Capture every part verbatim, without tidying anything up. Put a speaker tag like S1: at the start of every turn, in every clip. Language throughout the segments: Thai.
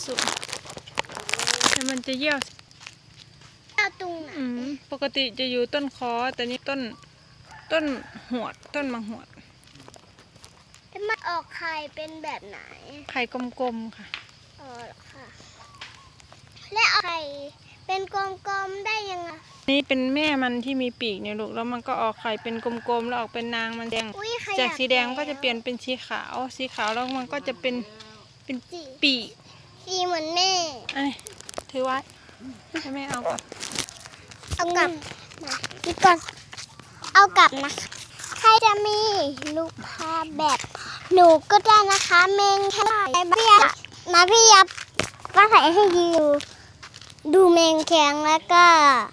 S1: สูงแต่มันจะเยี่ยว
S2: เอาตรงไหน
S1: ปกติจะอยู่ต้นคอแต่นี่ต้นต้นหวดต้นมังหวด
S2: แล้วมันออกไข่เป็นแบบไหน
S1: ไข่กลมๆค่ะ
S2: อ๋อค่ะและออกไข่เป็นกลมๆได้ยังไง
S1: นี่เป็นแม่มันที่มีปีกเนี่ยลูกแล้วมันก็ออกไข่เป็นกลมๆแล้วออกเป็นนางมันแดงจากสีแดงก็จะเปลี่ยนเป็นสีขาวสีขาวแล้วมันก็จะเป็นเป็นปีก
S2: สีเหมือนแม่
S1: ไอ้ถือไว้ให้แม่เอาก่อน
S2: เอากลับนี่ก่อนเอากลับนะใครจะมีลูกภาพแบบหนูก็ได้นะคะเมงแค่ไหนพี่ยับมาพี่ยับก็ใส่ให้ดูดูเมงแข็งแล้วก็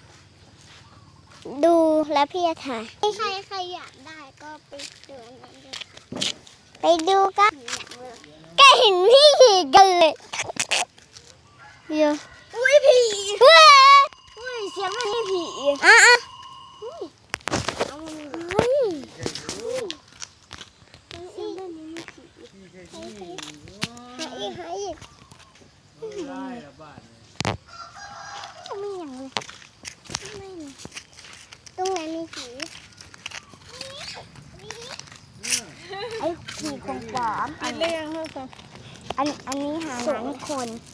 S2: ดูแล้วพี่จะถ่ายใครใครอยากได้ก็ไปดูนั้นเลยไปดูกันก็เห็นพี่ขี่กันเลยเยอะอุ้ยผีเฮ้ยอุ้ยเสียงมันนี่ผีอ่ะอ่ะเอามันเฮ้ยเสียงมันนี่ผีหายอีกหายอีกได้ละบ้านไม่อย่างเลยไม่เลยตรงไหนมีผีไอ้ผีของปลอม
S1: อันเล็กเท่ากัน
S2: อันอันนี้หางหางคน